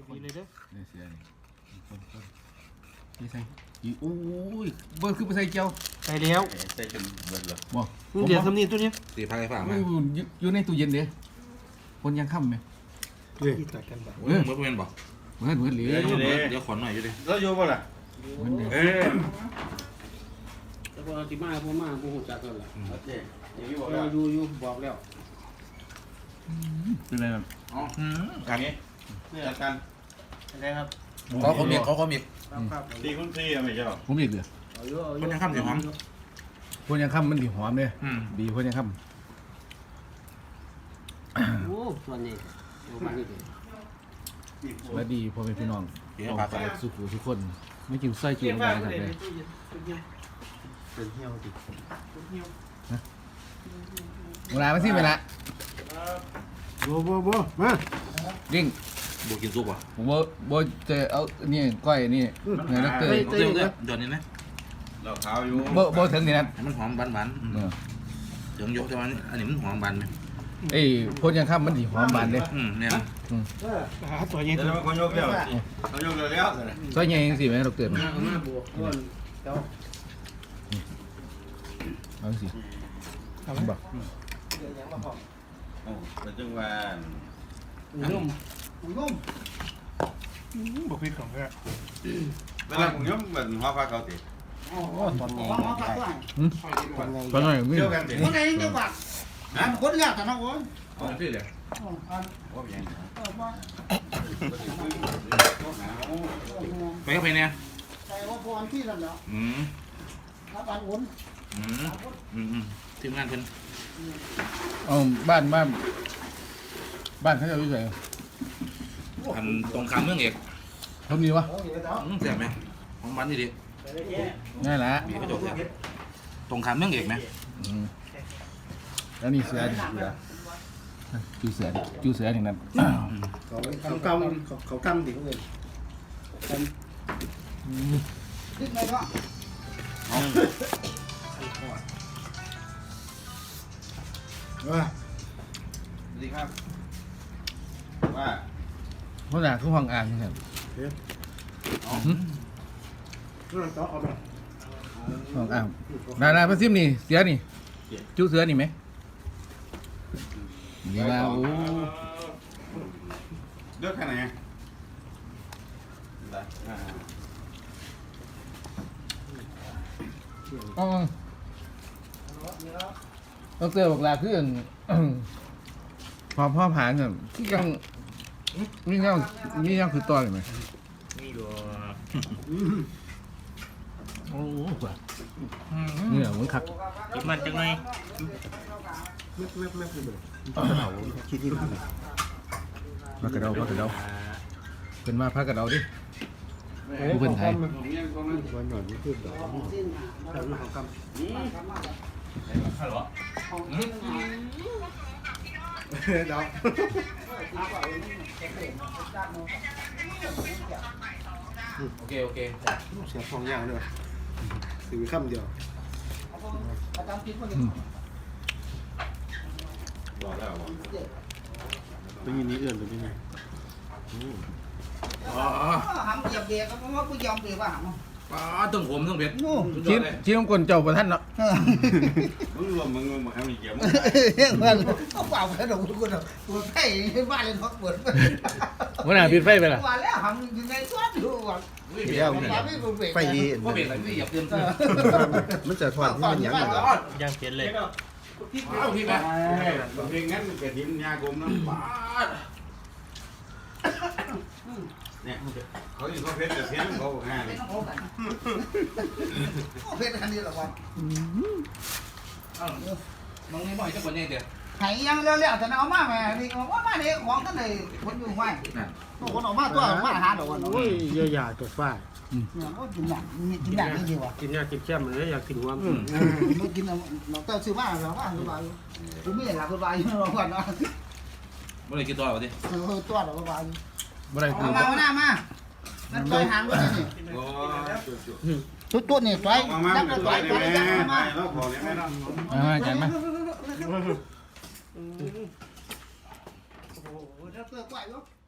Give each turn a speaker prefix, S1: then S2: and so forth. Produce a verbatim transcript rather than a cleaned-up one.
S1: คนเลยเด้อ
S2: เนี่ยเสียนี่คนคนนี่ใส่อีโอ้ยเบิร์คือไปใส่เจียว
S1: ใส่แล้ว
S3: ใส่จนเบิดเลย
S2: บ่
S1: เดี๋ยวทำนี่ตัวนี้
S3: ตีพายฝาก
S2: โอ้
S3: มาย
S2: อยู่อยู่ในตู้เย็นเด้คนยังค่ำไหม
S1: ที่ตัดกันแบบ
S3: เมื่อเมื่อเป็นบอก
S2: เหมือนเหมือนเหลือ
S3: เดี๋ยวเดี๋ยวขอหน่อยอยู่ดิ
S4: แล้วอยู่ป่ะล่ะ
S2: เหมือนเดิม
S4: เออ
S5: แต่พอที่มาพอมาพอหูจักกันล่ะ
S4: โอเคอย่างนี้บอก
S5: เรา
S4: แล้ว
S5: อยู่อยู่บอกแล้ว
S2: เป็นไรแบบ
S4: อ๋ออย่างนี้จัดการ
S5: อะไรครับ
S3: เขาเขามีเขาเขามี
S5: ครับครับ
S4: ดีคุณพี่อะไม่ใช่หรอ
S2: ผมอีกเหลือ
S5: เอาอยู่เอาอยู่
S3: คนยังข้ามเสียงหอม
S2: คนยังค่ำมันดีหอมเลย
S3: อืม
S2: ดีคนยังค่
S5: โอ้ส่วนนี้อยู่บ้านนี่เอง
S2: ำและดีพ่อแม่พี่น้อง
S3: เดี๋ยว
S2: ต้อง
S3: พา
S2: ไป
S3: ไป
S2: สุขุทุกคนไม่กินไส้กินอะไรครับเลย
S5: เป็นเที่ยวดิ
S2: เวลาไม่สิ้นเวลา
S5: บัวบัวบัวมา
S2: ยิ่ง
S3: บุกินซุปอ่ะ
S2: ผมว่าบ่จะเอานี่ก้อยนี่เนื้อนักเตย
S3: เดี๋ยวเดี๋ยวเดี๋ยวนี้นะ
S4: เราขาวอยู่
S2: บ่บ่ถึงนี่นะ
S3: ให้มันหอมบานๆ
S2: เออ
S3: เดี๋ยวยกจะมันอันนี้มันหอมบานไหม
S2: เอ้ยคนยังค่ำมันดีหอมบานเลย
S3: อืมเนี่ยนะ
S1: หาตัวนี้
S4: เดี๋ยวมันคนยกแล้วเขายกแล้วแล้วสิ
S2: ซอยใหญ่ยังสิแม่ดอกเตย
S5: มามาบัวก้อนเจ้า
S2: เอาสิบอก
S4: โอ้แต่จังหวะ
S5: นุ่มนุ่ม
S1: บอกพี่ของแก
S4: เวลาผมยกเหมือนหัวฟ้าเขาติ
S5: อ๋อตอนนี้ว่าเขาตัดด้วย
S2: หืมตอนนั้นมี
S4: เที่ยวกันติ
S5: คนไหนเดียวกันนะคนแรกแต่น้องโอ้ย
S3: อ๋อที่เลย
S4: ว่าอย่างนี้
S3: ไปก็ไปเนี่ย
S5: ใส่ว่าพรที่นั่นแล้ว
S3: อืม
S5: รับอันอุ่น
S3: อืมอืมอืมทีมงานเพิ่น
S2: เอาบ้านบ้านบ้านเขาจะอยู่ไหน
S3: อันตรงข้ามเมืองเอก
S2: ทำดีวะ
S3: อืมแซ่บไหมของบ้านนี่ดิ
S2: ง่ายละ
S3: มีกระจกแซ่บตรงข้ามเมืองเอกไหม
S2: อืมแล้วนี่เสือนี่เสือจูเสือจูเสืออย่างนั้น
S5: เขาเขากำเขาเขากำดิเขาเลยขึ้นไปก็
S4: สวัสดีครับว่า
S2: เพราะหนาคือห้องอ่างนี่ครับ
S5: ต่อเอาไป
S2: ห้องอ่างนานาพระซิมนี่เสือนี่จูเสือนี่ไหมนี่ว่าโอ้
S4: เลือกแค่ไหน
S2: อ๋อต้องเสือบอกลาคืออั่น พอพ่อผ่านเนี่ยที่ยังนี่ยังนี่ยังคือตอนเลยไหม
S1: นี่ดู
S2: โอ้โหนี่แหละมันคัก
S1: จิบมันจังไง
S5: ไม่ไม่ไม่คือแบบคิดที่มัน
S2: พักกระเดาพักกระเดาเป็นมาพักกระเดาดิผู้เป็นไทย
S5: วันหน่อยนี่คือแบบแต่มาเขากำเรา
S3: โอเคโอเค
S5: เสียฟองยางด้วยถือคำเดียว
S4: บอกแล้ว
S5: เป็นยินนี้เอื่อนหรือยังไง
S3: อ๋อ
S6: hầm dập địa có có có dòng địa vào hầm không?
S3: ป้าต้องผมต้องเผ็ด
S2: ชิ้นชิ้นของคนเจ้าประท่านเนาะ
S4: มึงรวมมึงรวมมาทำอีกเกี่ยวมึง
S6: Không vào cái đầu của nó, của thầy cái ba lên hót bớt.
S2: วันไหนปิดไฟไปล่ะ
S6: Và lẽ hầm thì ngay thoát được rồi.
S3: เดี๋ยว
S6: Không vào cái vụ việc.
S5: ไฟดี
S3: ก็เผ็ดอะไรไม่อยากเตือนเพื่อน
S5: มันจะถอดที่มันยังไง
S1: ย่างเผ็ดเลย
S3: เอาพี่ไป
S4: เพลงงั้นกระถิ่นยากลมนะป้าเนี่ยเขาอยู่เขาเพชรแต่เพี้ยนเขาง่ายเลย
S6: Nó khổ cảnh. Có phết cái này là còn.
S3: น้องนี่บ่อยจังคนนี้เดียว
S6: Hãy ăn leo leo thì nó má mẹ thì nó má đi khoảng cái này vẫn dùng hoài. Nó có nó má tôi má há đồ nó.
S5: โอ้ยเยอะหยาตัวฝ้า
S6: Nó chín nhạc, chín nhạc cái gì vậy?
S5: กินยากินแช่มันเลยอยากกินหัวมัน
S6: Nó chín nó nó tao sư má là má sư bà. Tôi biết là con bà nó còn nó.
S3: เมื่อไรกินตัวเอาดิ
S6: Hơi to rồi con bà.
S2: บ่ได้คือ
S6: Mà mà nào mà. Nó tôi hàng luôn này.
S4: โอ้จุดจุด
S6: Chút chút này toái,
S4: มามา
S6: chắc
S4: มา
S6: nó
S4: ตัว
S6: toái
S4: นี้
S6: toái
S4: แม่
S6: chắc nó
S4: ไม่
S6: mà.
S4: แล้วขอเนี่ยไม่ต้อง
S2: มาอาจารย์มา
S6: Ồ, nó tươi quậy quá.